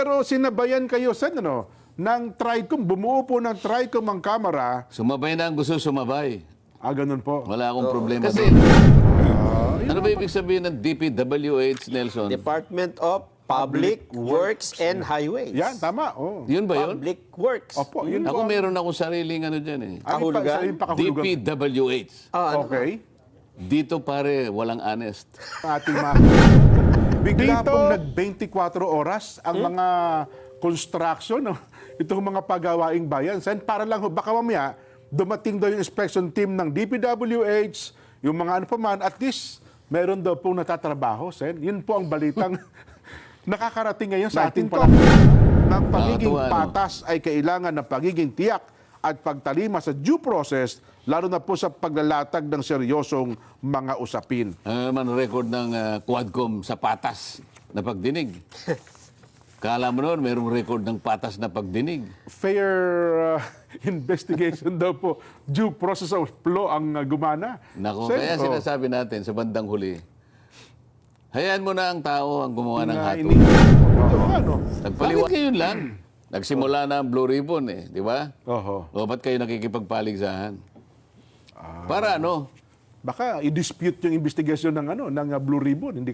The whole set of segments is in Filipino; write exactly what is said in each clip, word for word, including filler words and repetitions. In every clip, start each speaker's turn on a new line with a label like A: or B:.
A: Pero sinabayan kayo sa ano, ng TRICOM, bumuo po ng TRICOM ang kamera.
B: Sumabay na ang gusto sumabay.
A: Ah, ganun po.
B: Wala akong problema
C: Kasi
B: doon. Ano ba ibig sabihin ng D P W H, Nelson?
C: Department of Public Works and Highways.
A: Yan, tama. Oh.
B: Yun ba yun?
C: Public Works.
A: Opo, yun
B: Ako
A: po.
B: meron akong sariling ano dyan eh.
A: Ano pa-
C: Kahulugan?
A: sa yung
B: D
A: pakahulugan?
B: P W H.
C: Ah, ano?
A: Okay.
B: Dito pare, walang honest.
A: Ating mga... Bigla pong nag-twenty-four oras ang
C: Hmm?
A: mga construction, no? Itong mga pagawaing bayan. Sen, para lang, ho, baka mamaya, dumating daw yung inspection team ng D P W H, yung mga ano pa man, at least, meron daw pong natatrabaho, Sen. Yun po ang balitang nakakarating ngayon sa ating pala. Ng pagiging
B: Nakakatuwa, no?
A: patas ay kailangan ng pagiging tiyak at pagtalima sa due process, lalo na po sa paglalatag ng seryosong mga usapin.
B: Ano naman record ng ah, Quadcom sa patas na pagdinig? Kala mo noon, mayroong record ng patas na pagdinig.
A: Fair uh, investigation daw po, due process of law ang uh, gumana.
B: Nako,
A: Sen,
B: kaya
A: oh,
B: sinasabi natin sa bandang huli, hayaan mo na ang tao ang gumawa ng
A: na
B: hatol.
A: ini- Ito, ano?
B: Nagpaliwanag kayo lang. Nagsimula na ang Blue Ribbon eh, di ba?
A: Oho.
B: O ba't kayo nakikipagpaligsahan? Para ano?
A: Baka i-dispute yung investigasyon ng ano ng uh, Blue Ribbon, hindi ka...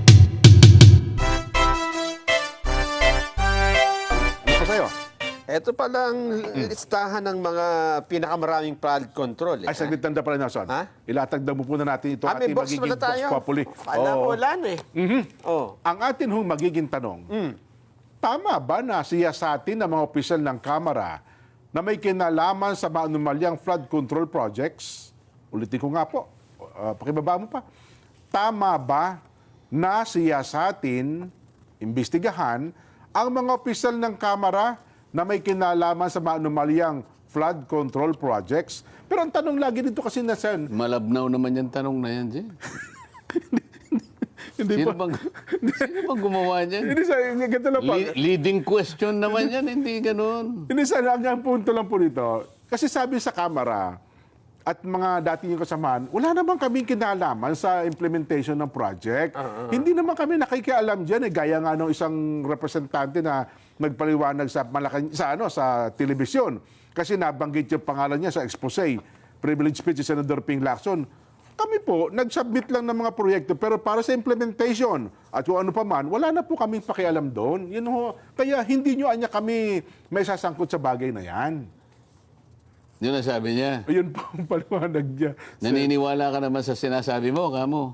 A: Ano pa sa'yo?
C: Ito palang listahan ng mga pinakamaraming flood control. Eh.
A: Ay, saglit tanda pala, Nelson.
C: Ha?
A: Ilatag daw mo po na natin ito
C: Ah, may
A: ating
C: box
A: magiging
C: pala tayo.
A: Vox Populi.
C: Wala,
A: Oo.
C: wala na eh.
A: Mhm.
C: Oh.
A: Ang atin hong magiging tanong, tama ba na siya sa atin ng mga opisyal ng Kamara na may kinalaman sa maanumalyang flood control projects? Ulitin ko nga po, uh, pakibaba mo pa. Tama ba na siya sa atin, imbestigahan, ang mga opisyal ng Kamara na may kinalaman sa maanumalyang flood control projects? Pero ang tanong lagi dito kasi na Sen,
B: Malabnaw naman yung tanong na yan, Jen.
A: hindi
B: Sino
A: pa,
B: bang, sino bang gumawa niyan?
A: hindi sa, ganito lang pa.
B: Le- leading question naman yan, hindi ganun.
A: Hindi sana, ang ang punto lang po dito, kasi sabi sa Kamara at mga dati yung kasamahan, wala naman kaming kinalaman sa implementation ng project. Hindi naman kami nakikialam dyan. Eh, gaya nga ng isang representante na nagpaliwanag sa, Malacan, sa, ano, sa telebisyon. Kasi nabanggit yung pangalan niya sa expose, privilege speech ni Senator Ping Lacson. Kami po, nag-submit lang ng mga proyekto, pero para sa implementation at kung ano pa man, wala na po kaming pakialam doon. Yun ho, kaya hindi nyo anya kami may sasangkot sa bagay na yan.
B: Yun ang sabi niya.
A: Ayun po ang paliwanag niya.
B: Naniniwala ka naman sa sinasabi mo, kamo.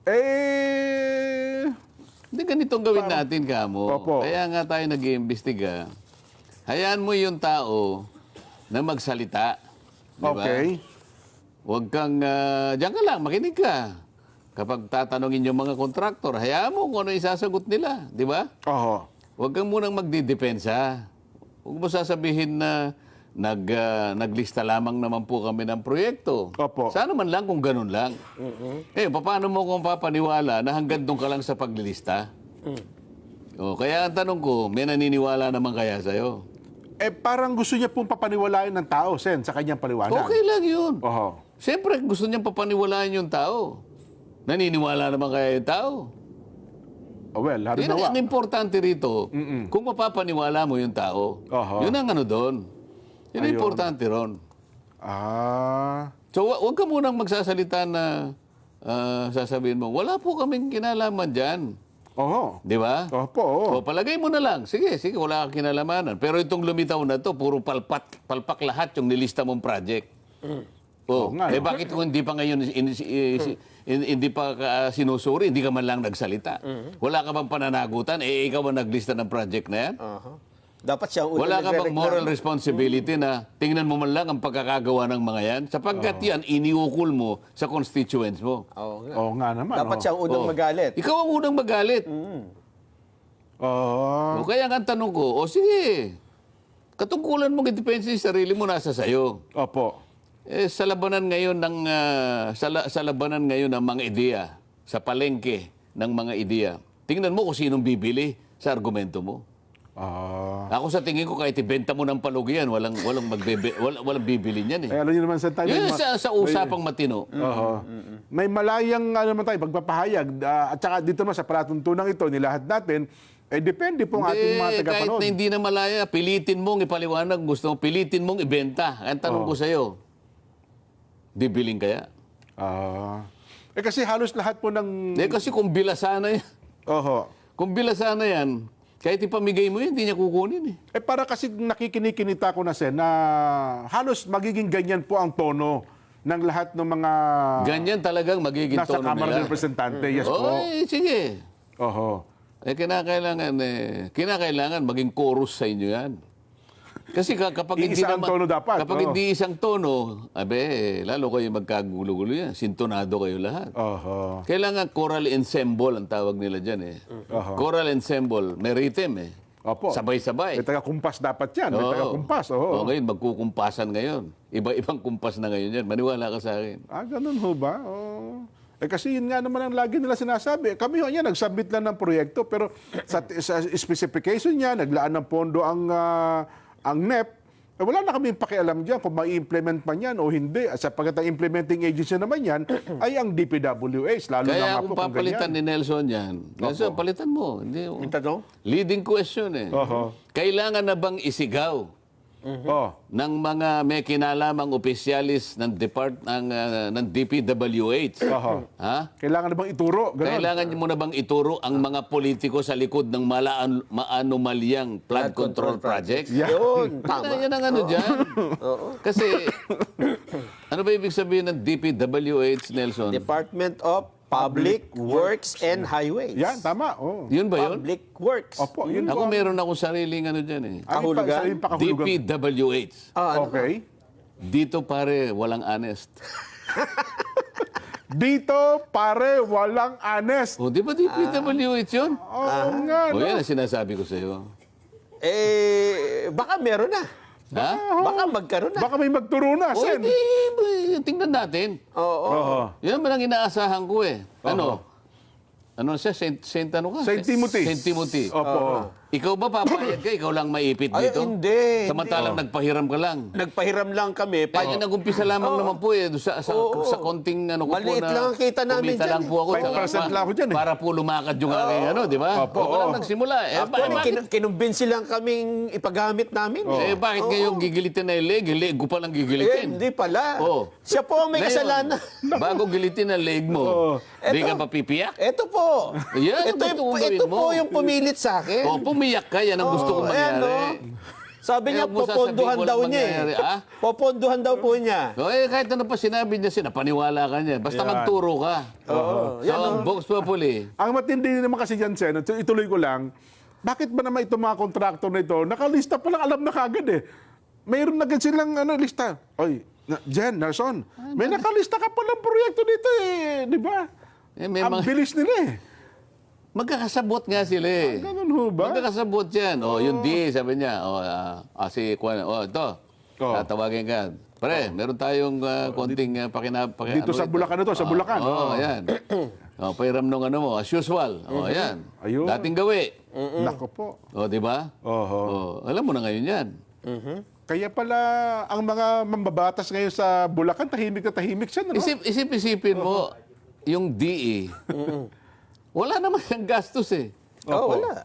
A: Eh,
B: Hindi ganitong gawin natin, kamo.
A: Opo.
B: Kaya nga tayo nag-iimbestiga. Hayaan mo yung tao na magsalita. Di ba?
A: okay.
B: Huwag kang, uh, diyan ka lang, makinig ka. Kapag tatanungin yung mga kontraktor, hayaan mo kung ano isasagot nila. Di ba?
A: Oho.
B: Huwag kang munang magdidepensa. Huwag mo sasabihin na nag, ah, naglista lamang naman po kami ng proyekto.
A: Opo.
B: Sana man lang kung ganun lang. Eh, paano mo kung papaniwala na hanggang doon ka lang sa paglilista? O, kaya ang tanong ko, may naniniwala naman kaya sa'yo?
A: Eh, parang gusto niya pong papaniwalain ng tao, Sen, sa kanyang paliwanag.
B: Okay lang yun.
A: Oho.
B: Siyempre, gusto niyang papaniwalaan yung tao. Naniniwala naman kaya yung tao?
A: Oh, well,
B: Yun ang,
A: harinawa.
B: ang importante rito, kung mapapaniwala mo yung tao,
A: Oho.
B: yun ang ano doon. Yun ang
A: Ayun.
B: importante ron.
A: Ah,
B: So, wa- huwag ka munang magsasalita na ah, sasabihin mo, wala po kaming kinalaman dyan.
A: oho.
B: Di ba?
A: Opo, oo.
B: O, palagay mo na lang. Sige, sige, wala kang kinalamanan. Pero itong lumitaw na to, puro palpat, palpak lahat yung nilista mong project. O,
A: Oo nga,
B: eh
A: no?
B: bakit kung hindi pa ngayon, in- in- in- hindi pa ka, sinusuri, hindi ka man lang nagsalita? Wala ka bang pananagutan? Eh, ikaw ang naglista ng project na yan?
C: Aha. Dapat siya ang unang
B: Wala ka bang
C: nagre-reklamo.
B: moral responsibility na tingnan mo man lang ang pagkakagawa ng mga yan? Sapagkat yan, iniukol mo sa constituents mo.
C: Oo nga.
A: Oo nga naman.
C: Dapat
A: oo.
C: siya ang unang
B: Oh.
C: magalit.
B: Ikaw ang unang magalit.
A: Oo.
B: O kaya nga ang tanong ko, o sige, katungkulan mong idepensa yung sarili mo nasa sayo.
A: Opo.
B: Eh, sa labanan ngayon ng ah, sa, la- sa labanan ngayon ng mga ideya, sa palengke ng mga ideya, tingnan mo kung sinong bibili sa argumento mo.
A: Ah.
B: Ako sa tingin ko kahit ibenta mo ng palugi yan, walang walang magbebe, walang, walang bibili niyan eh.
A: Eh, alam niyo naman sa tayo.
B: Yun
A: may ma-
B: sa, sa usapang matino.
A: Oho. May malayang ano naman tayo, pagpapahayag. ah, at saka dito naman sa palatuntunan ito, nilahat natin, Eh, depende po ang ating mga
B: Hindi, kahit
A: tagapanood.
B: na hindi na malaya, pilitin mong ipaliwanag, gusto mo, pilitin mong ibenta. Ang tanong ko sa'yo, bibiling kaya?
A: Ah. Eh, kasi halos lahat po ng...
B: Eh, kasi kung bilasana yan,
A: Oho.
B: kung bilasana yan, kahit ipamigay mo yan, hindi niya kukunin eh.
A: Eh, para kasi nakikinikinita ko na, Sen, na halos magiging ganyan po ang tono ng lahat ng mga
B: Ganyan talagang magiging
A: nasa
B: tono
A: Kamara ng
B: nila.
A: Representante. Yes
B: Oo,
A: po.
B: eh, sige.
A: Oho.
B: Eh, kinakailangan, eh, kinakailangan maging chorus sa inyo yan. Kasi ka- kapag hindi
A: Iisa ang
B: naman-
A: tono dapat,
B: Kapag
A: oo.
B: hindi isang tono, abe, eh, lalo kayo magkagulo-gulo yan. Sintonado kayo lahat.
A: Oho.
B: Kailangan choral ensemble ang tawag nila dyan eh.
A: Oho.
B: Choral ensemble, may rhythm eh.
A: Opo.
B: Sabay-sabay.
A: May taga-kumpas dapat yan. May
B: Oo.
A: taga-kumpas.
B: O
A: Oho.
B: ngayon, magkukumpasan ngayon. Iba-ibang kumpas na ngayon yan. Maniwala ka sa akin.
A: Ah, ganun ho ba? Oh. Eh kasi yun nga naman ang lagi nila sinasabi. Kami ho niya, nag-submit lang ng proyekto, pero sa, sa specification niya, naglaan ng pondo ang, ah, ang N E P. Eh, wala na kami pakialam dyan kung mai-implement man yan o hindi. At sapagkat ang implementing agency naman yan ay ang D P W H. Lalo na
B: Kaya
A: nga
B: kung
A: po kung
B: papalitan
A: ganyan.
B: ni Nelson yan, Nelson, palitan mo. Hindi,
C: Yung tanong?
B: leading question eh.
A: Oho.
B: Kailangan na bang isigaw
A: Oh.
B: ng mga may kinalamang opisyalis ng depart ng ah, ng D P W H?
A: Oho.
B: Ha?
A: Kailangan na bang ituro? Ganun.
B: Kailangan mo na bang ituro ang mga politiko sa likod ng malaan, maanomalyang flood control projects?
A: Yeah.
C: Yun,
B: Tama.
C: tama.
B: Yan ang ano dyan. Kasi, ano ba ibig sabihin ng D P W H, Nelson?
C: Department of Public Works and Highways.
A: Yan, tama. Oh.
B: Yun ba yun?
C: Public Works.
A: Opo, yun
B: Ako
A: po.
B: meron akong sariling ano dyan eh.
A: Ano pa-
C: Kahulugan?
A: sa yung
B: D
A: pakahulugan?
B: P W H.
C: Ah, ano?
A: Okay.
B: Dito pare, walang honest.
A: Dito, pare, walang honest.
B: O, di ba D P W H yun?
A: Oo nga,
B: O,
A: no?
B: yan ang sinasabi ko sa iyo.
C: Eh, baka meron na.
B: Ha?
C: Baka magkaroon na.
A: Baka may magturo na,
B: O,
A: Sen.
B: di, di, tingnan natin.
C: Oo.
A: Oo.
B: Yan naman ang inaasahan ko eh. Ano? Ano siya? Saint, Saint ano ka?
A: Saint Timothy.
B: Saint Timothy.
A: Opo.
B: Ikaw ba papayag ka? Ikaw lang maipit
C: Ay,
B: dito?
C: hindi.
B: Samantalang nagpahiram ka lang.
C: Nagpahiram lang kami. Pa,
B: Kaya nag-umpisa lamang naman po eh. Sa, sa,
C: Oo.
B: sa konting ano ko
C: Maliit
B: po na...
C: lang ang kita namin
B: kumita
C: dyan
B: lang
C: eh.
B: po ako.
A: five percent lang ako dyan eh.
B: Para po lumakad yung aking ano, di ba?
A: Opo,
B: Ako lang
A: oo.
B: nagsimula. Eh, ba,
C: Actually,
B: bakit,
C: kin- kinumbinsi lang kaming ipagamit namin.
B: eh, bakit ngayon gigilitin na yung leg? Yung leg ko palang
C: Eh,
B: gigilitin.
C: hindi pala.
B: Oo.
C: Siya po ang may
B: Ngayon,
C: kasalanan.
B: Bago gilitin ang leg mo, di ka pa pipiyak?
C: Ito po.
B: Yan,
C: ito,
B: gusto
C: yung,
B: kong gawin
C: ito
B: mo.
C: po yung pumilit sa akin.
B: O, pumiyak ka. Yan ang gusto kong
C: Oo, ayan,
B: mangyari.
C: no? Sabi
B: Eh,
C: niya,
B: huwag mo
C: poponduhan
B: sasabihin
C: daw
B: walang
C: niya
B: mangyayari,
C: eh.
B: ah?
C: Poponduhan daw po niya.
B: O, eh, kahit ano pa sinabi niya, sinapaniwala ka niya. Basta
A: Yan.
B: magturo ka.
C: Oo.
B: So, ang Vox Populi,
A: Ang matindi naman kasi dyan, Sen, ito- ituloy ko lang, bakit ba naman itong mga kontraktor na ito, nakalista pa lang, alam na kagad eh. Mayroon na agad silang ano, lista. Oy, na, Jen, Nelson, may nakalista ka palang proyekto dito eh, di ba?
B: eh, may
A: Ang
B: mga,
A: bilis nila eh.
B: magkakasabot nga sila eh.
A: Ganun ho ba?
B: Magkakasabot yan. O, yung D, sabi niya. O, ah, ah, si Kwan, o, ito.
A: Oo.
B: Tatawagin ka. Pre, meron tayong ah, konting uh, pakina, paki,
A: Dito sa
B: ito?
A: Bulacan ito, sa
B: Ah,
A: Bulacan.
B: Oo,
A: Oo.
B: yan. O, pahiram nung ano mo, as usual. O, yan.
A: Ayun.
B: Dating gawi.
A: Nako po.
B: O, di ba?
A: Oho.
B: O, alam mo na ngayon yan.
A: Kaya pala, ang mga mambabatas ngayon sa Bulacan, tahimik na tahimik siya, no?
B: Isip, isip-isipin mo, yung D E, wala naman yung gastos eh.
C: Oo, wala.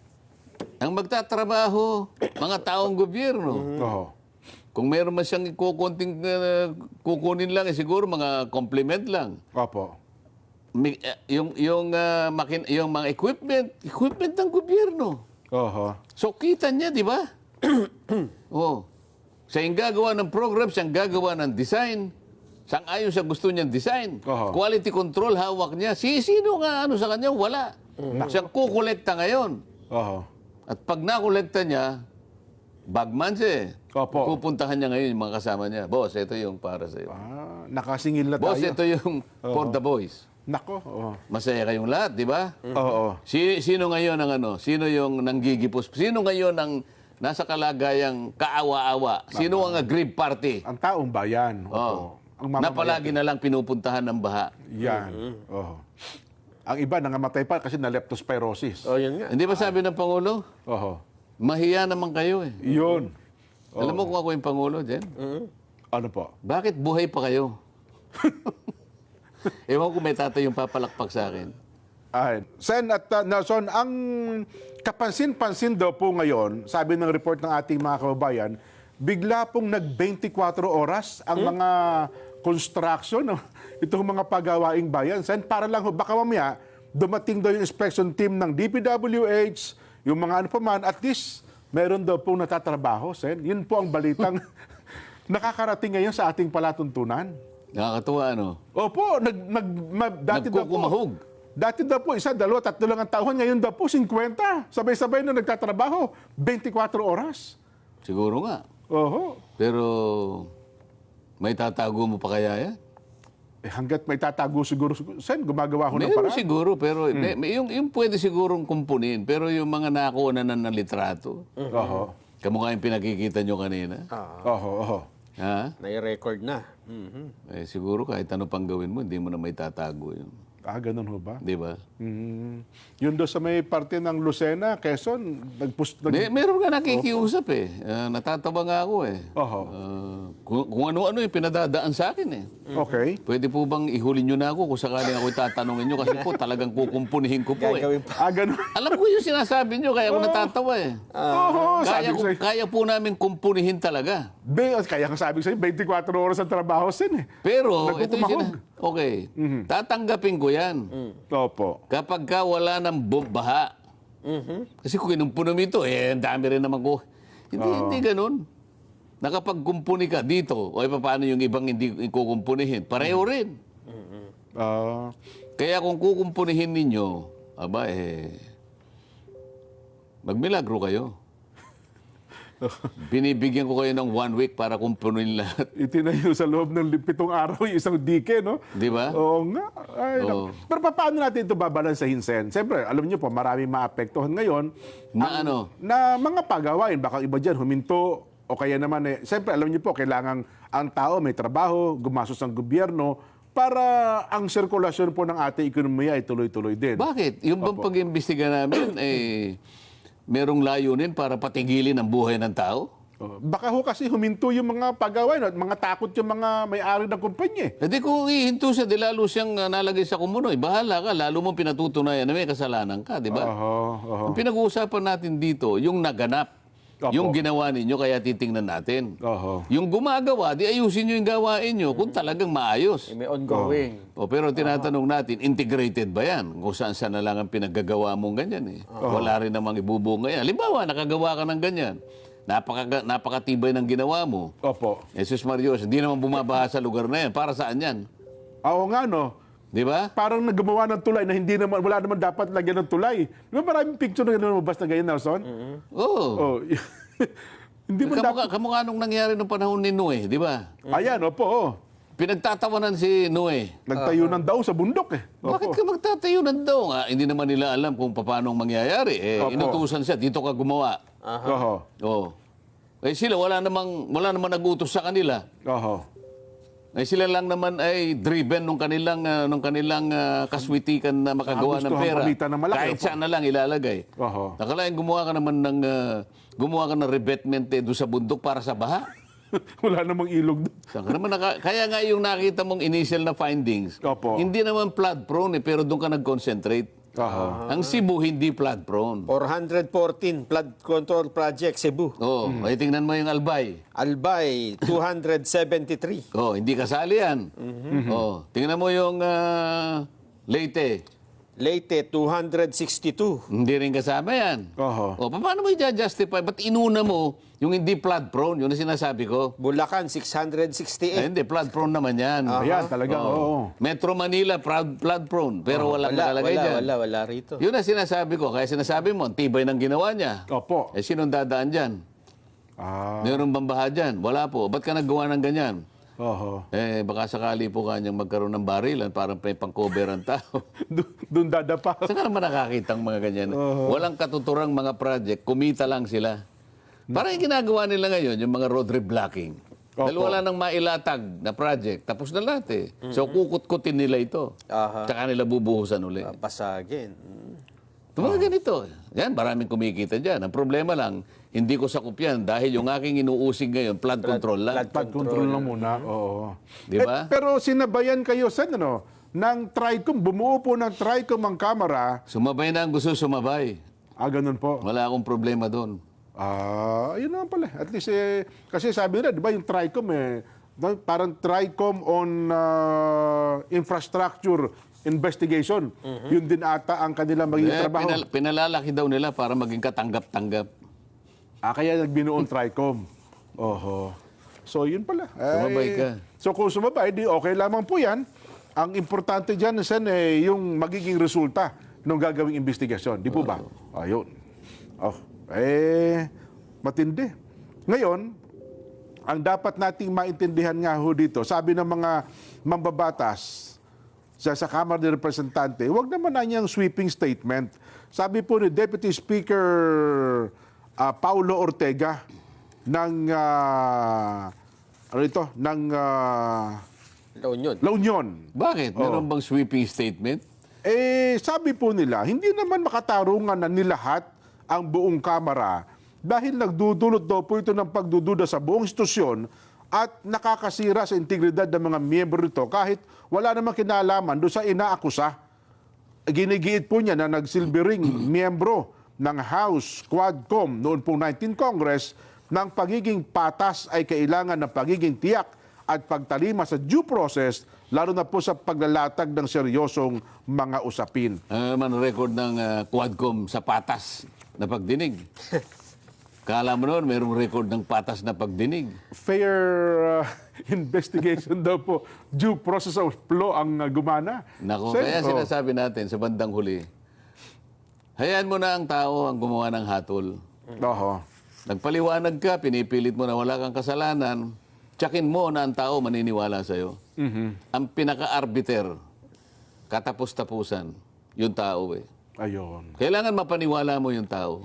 B: Ang magtatrabaho, mga taong gobyerno.
A: Oo.
B: Kung meron man siyang kukunting, uh, kukunin lang, eh, siguro mga compliment lang.
A: Opo.
B: Mi- eh, yung, yung, ah, makin, yung mga equipment, equipment ng gobyerno.
A: Oho.
B: So, kita niya, di ba? oh. Siya yung gagawa ng program, siya yung gagawa ng design. Sang ayon sa gusto niyang design.
A: Oho.
B: Quality control, hawak niya. Si sino nga ano sa kanya? Wala. Siya kukolekta ngayon.
A: Oho.
B: At pag nakolekta niya, bagman siya eh.
A: Opo.
B: Pupuntahan niya ngayon yung mga kasama niya. Boss, ito yung para sa iyo.
A: Ah, nakasingil na
B: Boss,
A: tayo.
B: ito yung for the boys.
A: Nako. Oo.
B: Masaya kayong lahat, di ba?
A: Oo.
B: Si, sino ngayon ang ano? Sino yung nanggigipos? Sino ngayon ang nasa kalagayang kaawa-awa? Sino ang aggrieved party?
A: Ang taong bayan. Opo.
B: Oh.
A: Ang
B: Na
A: mamamayan.
B: palagi na lang pinupuntahan ng baha.
A: Yan. Oo. Ang iba nangamatay pa kasi na leptospirosis.
C: Oh, yun nga.
B: Hindi ba sabi ng Pangulo?
A: Oho.
B: Mahiya naman kayo eh.
A: Yun.
B: Alam mo kung ako yung Pangulo, Jen?
A: Ano po?
B: Bakit buhay pa kayo? Ewan ko may tatay yung papalakpak sa akin.
A: Ay, Sen at uh, Nelson, ang kapansin-pansin daw po ngayon, sabi ng report ng ating mga kababayan, bigla pong nag-twenty-four oras ang mga construction, no? Itong mga pagawaing bayan. Sen, para lang ho, baka mamaya dumating daw yung inspection team ng D P W H, yung mga ano pa man, at least meron daw pong natatrabaho, Sen. Yun po ang balitang nakakarating ngayon sa ating palatuntunan.
B: Nakakatuwa, ano?
A: Opo, nag, nag, ma- dati daw po,
B: Nagkukumahog.
A: dati daw po, isa, dalawa, tatlo lang ang taon. Ngayon daw po, fifty. Sabay-sabay na nagtatrabaho. twenty-four oras.
B: Siguro nga.
A: Oho.
B: Pero may tatago mo pa kaya yan?
A: Eh, hanggat may tatago siguro, Sen, gumagawa ko ng
B: Meron
A: paraan.
B: siguro, pero may, may- yung, yung pwede sigurong kumpunin. Pero yung mga nakuha na ng litrato,
A: Oho.
B: kamukha yung pinakikita nyo kanina.
A: Oho, oho.
B: Ha?
C: Nai-record na. Mhm.
B: Eh, siguro kahit ano pang gawin mo, hindi mo na may tatago yun.
A: Ah, ganun ho ba?
B: Di ba?
A: Mm. Yun doon sa may parte ng Lucena, Quezon, nagpust... Nag...
B: May, meron nga nakikiusap eh. Ah, natatawa nga ako eh.
A: Oho.
B: Ah, kung, kung ano-ano yung pinadadaan sa akin eh.
A: Okay.
B: Pwede po bang ihuli nyo na ako kung sakaling ako tatanungin nyo kasi po talagang kukumpunihin ko po eh.
C: Gagawin pa.
A: Ah, ganun.
B: Alam ko yung sinasabi nyo, kaya ako natatawa eh.
A: Oho, sabi
B: Kaya,
A: ko
B: ko,
A: sa'yo.
B: kaya po namin kumpunihin talaga.
A: Be, kaya nga sabi ko sa'yo, twenty-four oras ang trabaho, Sen eh.
B: Pero, ito yung
A: Nagkukumahog.
B: sina- Okay, tatanggapin ko yan.
A: Opo.
B: Kapag ka wala ng baha. Kasi kung kinumpunom ito, eh, ang dami rin naman ko. Hindi, hindi ganun. Nakapagkumpuni ka dito, o eh, paano yung ibang hindi kukumpunihin? Pareho rin.
A: Ah,
B: Kaya kung kukumpunihin ninyo, aba eh, magmilagro kayo. Binibigyan ko kayo ng one week para kumpunin lahat.
A: itinayo sa loob ng lim- pitong araw yung isang dike, no?
B: Di ba?
A: Oo nga. Ay,
B: Oo.
A: naku. Pero pa- paano natin ito babalansahin, Sen? Siyempre, alam niyo po, maraming maapektuhan ngayon
B: Na ano?
A: na mga pagawain. Baka iba dyan, huminto, o kaya naman, eh, siyempre, alam niyo po, kailangan ang tao may trabaho, gumastos ang gobyerno, para ang sirkulasyon po ng ating ekonomiya ay tuloy-tuloy din.
B: Bakit? Yung bang pag-imbestiga namin, eh, merong layunin para patigilin ang buhay ng tao?
A: Oh, baka ho kasi huminto yung mga pagawain at mga takot yung mga may-ari ng kumpanya. eh.
B: Hindi kung ihinto siya, di lalo siyang ah, nalagay sa kumunoy. Bahala ka, lalo mong pinatutunayan na may kasalanan ka, di ba?
A: Oho, oho.
B: Ang pinag-uusapan natin dito, yung naganap.
A: Opo.
B: Yung ginawa ninyo, kaya titingnan natin.
A: Oho.
B: Yung gumagawa, di ayusin nyo yung gawain nyo kung talagang maayos.
C: May ongoing.
B: O, pero tinatanong natin, integrated ba yan? Kung saan saan na lang ang pinaggagawa mong ganyan eh. Wala rin namang ibubunga yan. Halimbawa, nakagawa ka ng ganyan. Napaka, napakatibay ng ginawa mo.
A: Opo.
B: Jesus Marios, hindi naman bumabaha sa lugar na yan. Para saan yan?
A: Oo nga, no?
B: Di ba?
A: Parang naggumawa ng tulay na hindi naman, wala naman dapat lagyan ng tulay. Di ba maraming picture na lumabas na ganyan, Nelson?
B: Oo.
A: Oh. Hindi mo dapat...
B: Kamukha, kamukha nung nangyari nung panahon ni Noe, di ba?
A: Ayan, opo. Oh.
B: Pinagtatawanan si Noe.
A: Nagtayo ng daw sa bundok eh.
B: Bakit
A: Opo.
B: ka magtatayo ng daw? Ah, hindi naman nila alam kung paano ang mangyayari. Eh,
A: Opo.
B: inutusan siya, dito ka gumawa.
A: Oho.
B: Oo. Eh sila, wala namang, wala namang nag-utos sa kanila.
A: Oho.
B: Eh sila lang naman ay driven nung kanilang, ah, nung kanilang ah, kaswitikan na makagawa
A: Ah,
B: ng
A: gusto
B: pera.
A: ang palitan ng malaki,
B: Kahit
A: opo.
B: saan na lang ilalagay.
A: Oho.
B: Nakalain gumawa ka naman ng, ah, gumawa ka ng revetment eh, doon sa bundok para sa baha.
A: Wala namang ilog doon.
B: Saan ka naman naka- Kaya nga yung nakita mong initial na findings,
A: Opo.
B: hindi naman flood prone eh, pero doon ka nag-concentrate.
A: Oho.
B: Ang Cebu hindi flood prone.
C: four fourteen flood control project Cebu.
B: Oo,
A: Hmm.
B: ay tingnan mo yung Albay.
C: Albay two seventy-three.
B: Oh, hindi kasali yan. Oh, tingnan mo yung ah, Leyte.
C: Leyte two sixty-two.
B: Hindi rin kasama yan.
A: Oho.
B: Oh, pa- paano mo i-justify? Ba't inuna mo yung hindi flood prone? Yun ang sinasabi ko.
C: Bulacan six
B: Ay,
C: sixty-eight.
B: hindi, flood prone naman yan.
A: Ayan, talaga, oo.
B: Metro Manila, proud, flood prone. Pero walang
C: Wala,
B: nakalagay
C: wala,
B: dyan.
C: wala, wala rito.
B: Yun ang sinasabi ko. Kaya sinasabi mo, ang tibay ng ginawa niya.
A: Opo.
B: Eh, sinong dadaan dyan?
A: Ah.
B: Meron bang baha dyan? Wala po. Ba't ka naggawa ng ganyan?
A: Oho.
B: Eh, baka sakali po kanyang magkaroon ng barilan para may pang-cover ang tao.
A: Doon- Doon dadapa.
B: Saan ka naman nakakita ang mga ganyan? Walang katuturang mga project, kumita lang sila. Parang yung ginagawa nila ngayon, yung mga road reblocking. Dahil
A: Opo.
B: wala nang mailatag na project, tapos na lahat eh. So kukut-kutin nila ito.
C: Aha.
B: Tsaka nila bubuhusan uli.
C: Pasagin. Mm.
B: Yung mga ganito. Yan, maraming kumikita dyan. Ang problema lang, hindi ko sakup yan dahil yung aking inuusig ngayon, flood control lang.
C: flood
A: Pag control lang muna. Oo.
B: Di ba?
A: Eh, pero sinabayan kayo, Sen, ano? ng TRICOM, bumuo po ng TRICOM ang Kamara.
B: Sumabay na ang gusto sumabay.
A: Ah, ganun po.
B: Wala akong problema doon.
A: Ah, yun naman pala. At least, eh, kasi sabi nila, di ba yung TRICOM, eh, no, parang TRICOM on ah, infrastructure investigation. Yun din ata ang kanilang magiging
B: Eh,
A: trabaho.
B: pinal- pinalalaki daw nila para maging katanggap-tanggap.
A: Ah, kaya nagbinuon TRICOM. Oho. So, yun pala.
B: Sumabay
A: Ay,
B: ka.
A: So, kung sumabay, di okay lamang po yan. Ang importante dyan, Sen, eh, yung magiging resulta ng gagawing investigasyon. Di po ba? Ayun. Oh, eh, matindi. Ngayon, ang dapat nating maintindihan nga ho dito, sabi ng mga mambabatas sa, sa Kamara de Representante, huwag naman na niyang sweeping statement. Sabi po ni Deputy Speaker ah, Paulo Ortega ng ah, ano ito, ng ah,
C: La Union.
A: La Union.
B: Bakit? Meron bang sweeping statement?
A: Eh, sabi po nila, hindi naman makatarungan na nilahat ang buong Kamara dahil nagdudulot daw po ito ng pagdududa sa buong institusyon at nakakasira sa integridad ng mga miyembro nito kahit wala namang kinalaman doon sa inaakusa. Ginigiit po niya na nagsilbering miyembro ng House Quadcom noon pong nineteenth Congress ng pagiging patas ay kailangan ng pagiging tiyak at pagtalima sa due process, lalo na po sa paglalatag ng seryosong mga usapin.
B: Ano naman ang record ng ah, Quadcom sa patas na pagdinig? Kala mo noon, mayroong record ng patas na pagdinig.
A: Fair uh, investigation daw po, due process of law ang uh, gumana.
B: Nako,
A: Sen,
B: kaya
A: oh,
B: sinasabi natin sa bandang huli, hayaan mo na ang tao ang gumawa ng hatol.
A: oho.
B: Nagpaliwanag ka, pinipilit mo na wala kang kasalanan, tsakin mo na ang tao maniniwala sa'yo. Ang pinaka-arbiter, katapos-tapusan, yung tao eh.
A: Ayun.
B: Kailangan mapaniwala mo yung tao.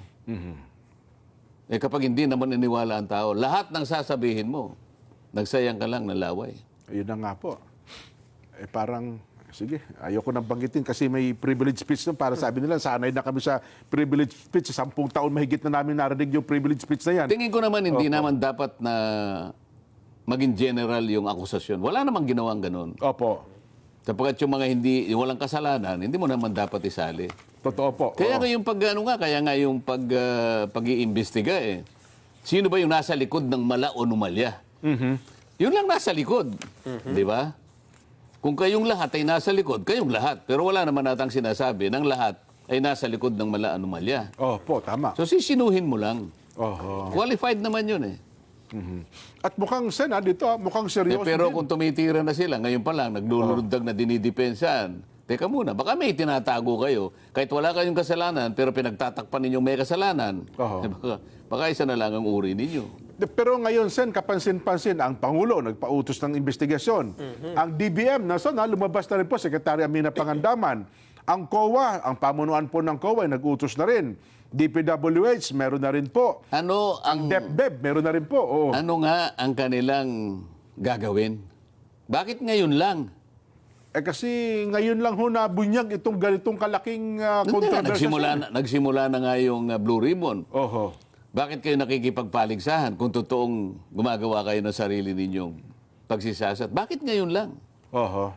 B: Eh kapag hindi naman niniwala ang tao, lahat ng sasabihin mo, nagsayang ka lang ng laway.
A: Ayun na nga po. Eh parang, sige, ayoko nang banggitin kasi may privilege speech nun. Para sabi nila, sanay na kami sa privilege speech. Sa sampung taon mahigit na namin narinig yung privilege speech na yan.
B: Tingin ko naman hindi naman dapat na maging general yung akusasyon. Wala namang ginawang ganun.
A: Opo.
B: Sapagkat yung mga hindi, yung walang kasalanan, hindi mo naman dapat isali.
A: Totoo po.
B: Kaya
A: Oo.
B: nga yung pag, ano nga, kaya nga yung pag, ah, pag-iimbestiga eh. Sino ba yung nasa likod ng mala o numalya? Yun lang nasa likod. Di ba? Kung kayong lahat ay nasa likod, kayong lahat. Pero wala naman natang sinasabi ng lahat ay nasa likod ng mala o numalya.
A: Opo, tama.
B: So sisinuhin mo lang.
A: Oho.
B: Qualified naman yun eh.
A: At mukhang sen, ah, dito, ah, mukhang
B: Eh,
A: seryoso
B: pero
A: din.
B: kung tumitira na sila, ngayon pa lang, naglulundag na dinidepensahan. Teka muna, baka may tinatago kayo. Kahit wala kayong kasalanan, pero pinagtatakpan ninyong may kasalanan.
A: Oo.
B: Eh, baka, baka isa na lang ang uri ninyo.
A: De- Pero ngayon, Sen, kapansin-pansin, ang Pangulo nagpautos ng investigasyon. Ang D B M, nasa na, lumabas na rin po, Secretary Amina Pangandaman. Ang C O A, ang pamunuan po ng C O A, ay nag-utos na rin. D P W H, meron na rin po.
B: Ano ang,
A: DepDep, meron na rin po. Oo.
B: ano nga ang kanilang gagawin? Bakit ngayon lang?
A: Eh kasi ngayon lang ho nabunyag itong ganitong kalaking uh,
B: Hindi nga,
A: controversy.
B: nagsimula, na, nagsimula na nga yung uh, Blue Ribbon.
A: Oho.
B: Bakit kayo nakikipagpaligsahan kung totoong gumagawa kayo ng sarili ninyong pagsisasat? Bakit ngayon lang?
A: Oho.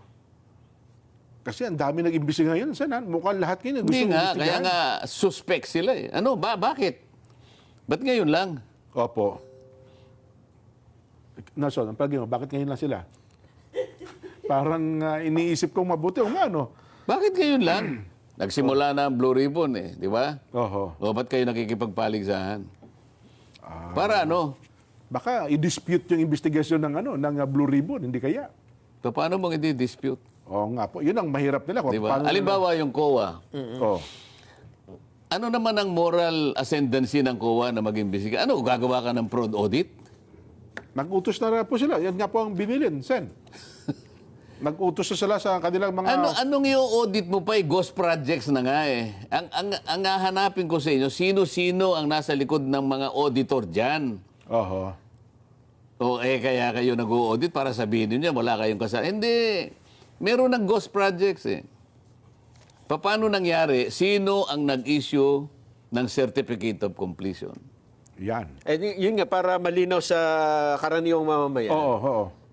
A: Kasi ang dami nag-imbisi ngayon, Sen. ah. Mukhang lahat kayo gusto
B: Hindi nga, kaya
A: imbestigahan.
B: nga suspect sila eh. Ano ba, bakit? Ba't ngayon lang?
A: Opo. Nason, ang palagi mo, bakit ngayon lang sila? Parang ah, iniisip kong mabuti. O nga, no?
B: Bakit ngayon lang? Nagsimula na ang Blue Ribbon eh, di ba?
A: Oho.
B: O ba't kayo nakikipagpaligsahan? Para ano?
A: Baka i-dispute yung investigasyon ng ano ng ah, Blue Ribbon, hindi kaya?
B: Pa- Paano mong i-dispute?
A: Oo nga po. Yun ang mahirap nila. Kung
B: Di ba?
A: paano-
B: Halimbawa yung C O A.
A: Oh.
B: Ano naman ang moral ascendancy ng C O A na mag-imbestiga? Ano, gagawa ka ng fraud audit?
A: Nag-utos na rin po sila. Yan nga po ang binilin, Sen. Nag-utos na sila sa kanilang mga...
B: Ano anong i-audit mo pa eh? Ghost projects na nga eh. Ang ang ang hahanapin ko sa inyo, sino-sino ang nasa likod ng mga auditor diyan?
A: Oho.
B: O eh kaya kayo nag-audit para sabihin niyo wala kayong kasalanan. Hindi. Meron ng ghost projects eh. Paano nangyari? Sino ang nag-issue ng certificate of completion?
A: Yan.
C: Eh, y- yun nga, para malinaw sa karaniwang mamamayan.
A: Oo, oo.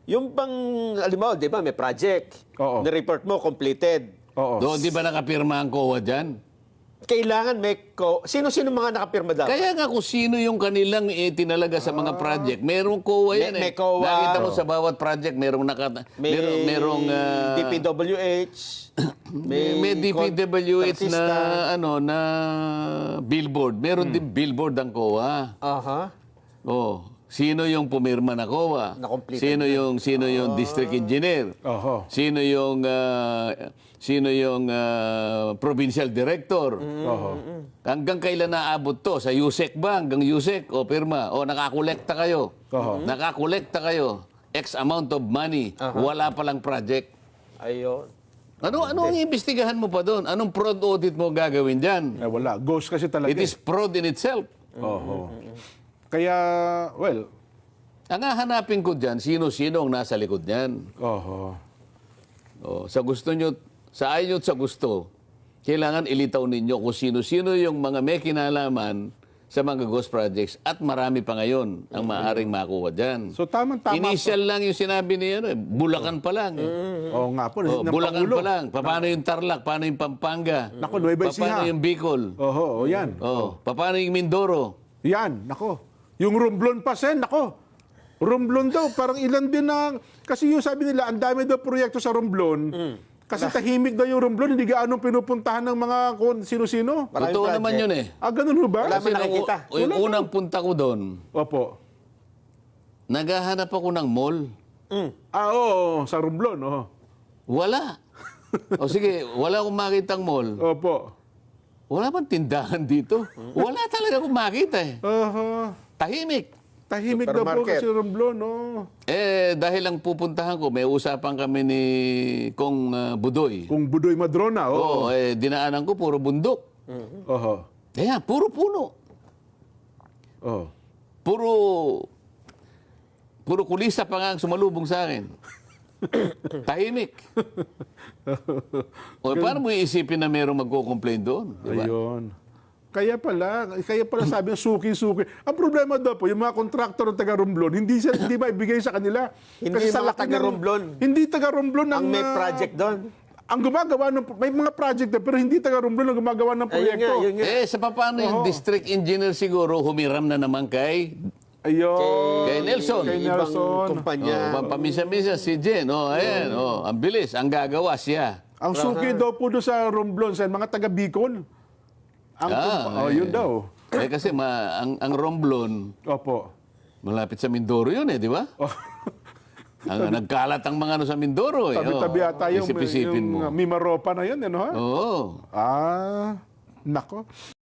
C: Yung bang, alam mo, di ba, may project.
A: Oo.
C: Na-report mo, completed.
A: Oo.
B: Doon, di ba nakapirma ang C O A dyan?
C: Kailangan may, co- sino-sino mga nakapirma dapat?
B: Kaya nga kung sino yung kanilang itinalaga sa mga project, merong C O A yan
C: May-
B: eh.
C: may C O A.
B: Nakita mo sa bawat project, merong naka,
C: may
B: merong, merong ah,
C: D P W H.
B: may, may D P W H na
C: contratista.
B: ano na billboard. Meron din billboard ang C O A.
C: Aha.
B: Oh, sino yung pumirma na C O A?
C: Na-complete
B: Sino yung sino yung district engineer?
A: Oho.
B: Sino yung ah, sino yung ah, provincial director?
A: Oho.
B: Hanggang kailan naabot to? Sa U S E C ba? Hanggang U S E C o pirma? O nakakolekta kayo?
A: Oho.
B: Nakakolekta kayo? X amount of money. Wala palang project.
C: Ayun.
B: Ano ano ang imbestigahan mo pa doon? Anong fraud audit mo gagawin diyan?
A: Eh, wala. Ghost kasi talaga.
B: It is fraud in itself.
A: Oho. Kaya, well,
B: Ang hahanapin ko diyan, sino-sino ang nasa likod niyan.
A: oho.
B: O, sa gusto nyo, sa ayaw nyo at sa gusto, kailangan ilitaw ninyo kung sino-sino yung mga may kinalaman sa mga ghost projects at marami pa ngayon ang maaaring makuha dyan.
A: So, tamang-tama.
B: Initial lang yung sinabi niya, ano, eh, Bulacan pa lang. Eh.
A: Oo nga po.
B: Oh,
A: ng
B: Bulacan
A: Pangulo.
B: pa lang. Paano yung Tarlac? Paano yung Pampanga?
A: Naku, Nueva
B: Paano
A: Ecija.
B: yung Bicol?
A: Oho, o yan.
B: Oh, paano yung Mindoro?
A: Yan, nako. Yung Romblon pa, Sen, nako. Romblon daw, parang ilan din na... Kasi yung sabi nila, ang dami daw proyekto sa Romblon. Kasi tahimik daw yung Romblon, hindi gaano pinupuntahan ng mga kung sino-sino.
C: Maraming
B: Totoo
C: project.
B: naman yun eh.
A: Ah, ganun ho ba?
C: Wala
B: Kasi
C: man nakikita.
B: nung- yung unang punta ko doon,
A: Opo.
B: naghahanap ako ng mall.
C: Mm.
A: Ah, oo, sa Romblon, oo.
B: Wala. O sige, wala akong makitang mall.
A: Opo.
B: Wala bang tindahan dito? Wala talaga akong makita eh.
A: Oho.
B: Tahimik.
A: Tahimik daw po
C: Supermarket.
A: kasi Romblon, no?
B: Eh, dahil ang pupuntahan ko, may usapan kami ni Kong ah, Budoy.
A: Kung Budoy Madrona, oo.
B: Oo, eh, dinaanan ko, puro bundok.
A: Oho.
B: Kaya, puro puno.
A: Oho.
B: Puro, puro kulisa pa nga ang sumalubong sa akin. Tahimik. O, paano mo iisipin na mayroong magko-complain doon? Di ba?
A: Ayun. Kaya pala, kaya pala sabi ng suki-suki. Ang problema daw po, yung mga kontraktor ng taga Romblon, hindi siya hindi ba ibigay sa kanila.
C: Hindi
A: sa
C: mga
A: laki
C: taga
A: ng-
C: Romblon.
A: Hindi taga Romblon ang
C: Ang may
A: ah,
C: project doon.
A: Ang gumagawa ng may mga project na, pero hindi taga Romblon ang gumagawa ng
C: Ayun
A: proyekto.
C: nga, yun nga.
B: Eh, sa paano yung district engineer siguro humiram na naman kay
A: Ayun.
B: Kay Nelson.
A: Kay
C: Ibang
A: Nelson.
C: kumpanya.
B: Oh, pamisa-misa si Jen. Oh, ayan. Oh, ang bilis. Ang gagawa siya.
A: Ang suki daw po doon sa Romblon, sa mga taga Bicol. Ang
B: Ah,
A: kumpa- oh, yun daw.
B: Eh kasi ma, ang, ang Romblon,
A: Opo.
B: malapit sa Mindoro yun eh, di ba?
A: Oh.
B: Ang, nagkalat ang mga ano sa Mindoro eh.
A: Tabi-tabi
B: Oh,
A: ata yung,
B: isip-isipin
A: yung
B: mo.
A: uh, Mimaropa na yun, ano ha?
B: Oo.
A: Ah, nako.